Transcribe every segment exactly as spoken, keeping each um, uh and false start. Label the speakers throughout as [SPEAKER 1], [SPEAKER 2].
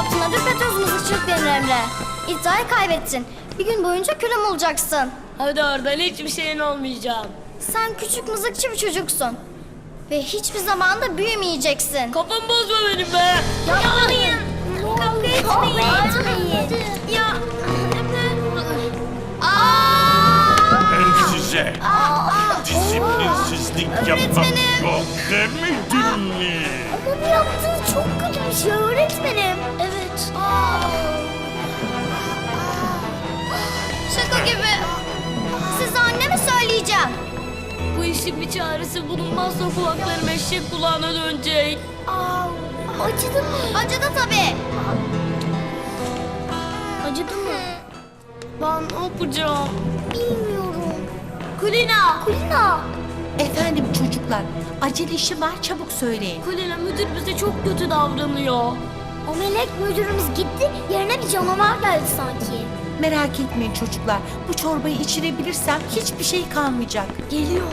[SPEAKER 1] yaptın adı Petrus mızıkçılık denir Emre. İddiayı kaybettin. Bir gün boyunca külüm olacaksın.
[SPEAKER 2] Hadi oradan hiçbir şeyin olmayacağım.
[SPEAKER 1] Sen küçük mızıkçı bir çocuksun. Ve hiçbir zaman da büyümeyeceksin.
[SPEAKER 2] Kafamı bozma benim be.
[SPEAKER 1] Yapmayın. Kavga etmeyin. Ya.
[SPEAKER 3] Ben size disiplinsizlik yapmak yok demedim mi?
[SPEAKER 1] Ama bu yaptığınız çok kötü bir şey öğretmenim. Evet. Şaka gibi. Size anneme söyleyeceğim.
[SPEAKER 2] Bu işin bir çaresi bulunmazsa kulaklarım eşek kulağına dönecek.
[SPEAKER 1] Aa, acıdı mı? Acıdı tabii. Acıdı mı?
[SPEAKER 2] Ben ne yapacağım?
[SPEAKER 1] Bilmiyorum. Kulina. Kulina.
[SPEAKER 4] Efendim çocuklar, acele işim var, çabuk söyleyin.
[SPEAKER 2] Kulina, müdür bize çok kötü davranıyor.
[SPEAKER 1] O melek müdürümüz gitti. Yerine bir canavar geldi sanki.
[SPEAKER 4] Merak etmeyin çocuklar, bu çorbayı içirebilirsem hiçbir şey kalmayacak.
[SPEAKER 1] Geliyor.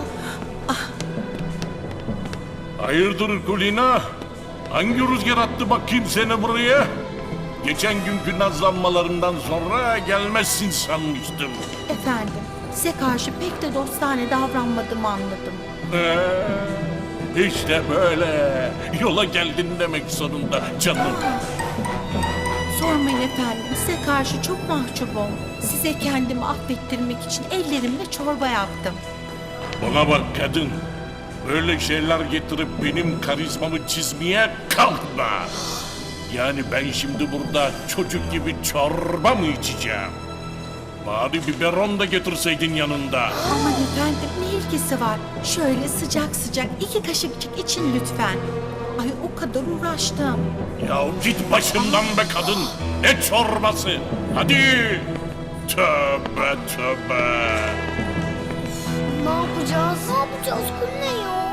[SPEAKER 3] Hayırdır Kulina? Hangi rüzgar attı bakayım seni buraya? Geçen günkü nazlanmalarından sonra gelmezsin sanmıştım.
[SPEAKER 4] Efendim, size karşı pek de dostane davranmadığımı anladım.
[SPEAKER 3] Ee, işte böyle. Yola geldin demek sonunda canım.
[SPEAKER 4] Sormayın efendim, size karşı çok mahcubum. Size kendimi affettirmek için ellerimle çorba yaptım.
[SPEAKER 3] Bana bak kadın. Böyle şeyler getirip benim karizmamı çizmeye kalkma. Yani ben şimdi burada çocuk gibi çorba mı içeceğim? Bari biberon da getirseydin yanında.
[SPEAKER 4] Aman efendim, ne ilgisi var? Şöyle sıcak sıcak iki kaşıkçık için lütfen. Ay o kadar uğraştım.
[SPEAKER 3] Ya git başımdan be kadın. Ne çorbası? Hadi. Tövbe tövbe.
[SPEAKER 1] Ne yapacağız? Ne yapacağız Kulina ya?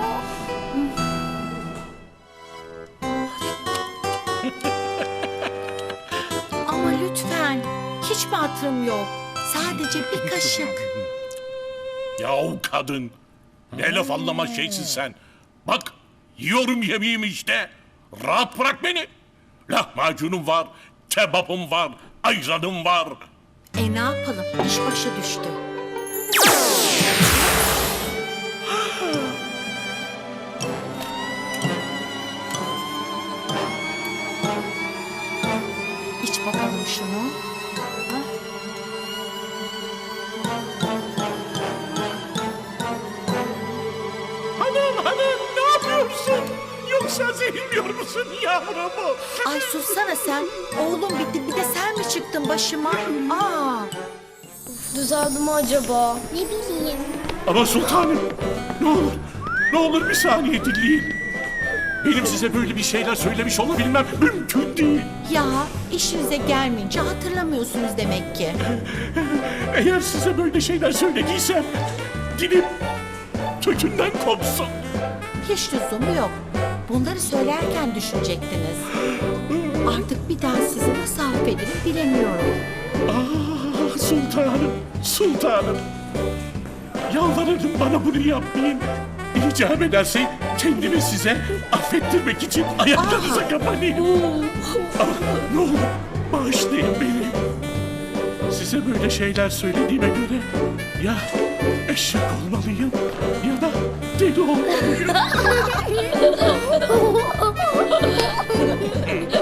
[SPEAKER 4] Ama lütfen, hiç mi hatırım yok? Sadece bir kaşık.
[SPEAKER 3] Yahu kadın. Ne laf anlamaz şeysin sen. Bak yiyorum yemeğimi işte. Rahat bırak beni. Lahmacunum var, kebabım var, ayranım var.
[SPEAKER 4] E ne yapalım, iş başa düştü. İç bakalım şunu.
[SPEAKER 3] Hanım hanım ne yapıyorsun? Yoksa zehirliyor musun yavrumu?
[SPEAKER 4] Ay sussana sen. Oğlum bitti, bir de sen mi çıktın başıma? Aa.
[SPEAKER 2] Düzeldi mi acaba?
[SPEAKER 1] Ne bileyim.
[SPEAKER 3] Ama sultanım ne olur ne olur bir saniye dinleyin. Benim size böyle bir şeyler söylemiş olabilmem mümkün değil.
[SPEAKER 4] Ya işinize gelmeyince hatırlamıyorsunuz demek ki.
[SPEAKER 3] Eğer size böyle şeyler söylediysem dilim kökünden kopsun.
[SPEAKER 4] Hiç lüzumu yok. Bunları söylerken düşünecektiniz. Artık bir daha sizi nasıl affederim bilemiyorum.
[SPEAKER 3] Ah sultanım, sultanım. Yalvarırım bana bunu yapmayın. İcap ederse kendimi size affettirmek için ayaklarınıza kapanayım. Ama ne olur bağışlayın beni. Size böyle şeyler söylediğime göre ya eşek olmalıyım ya da deli olmalıyım.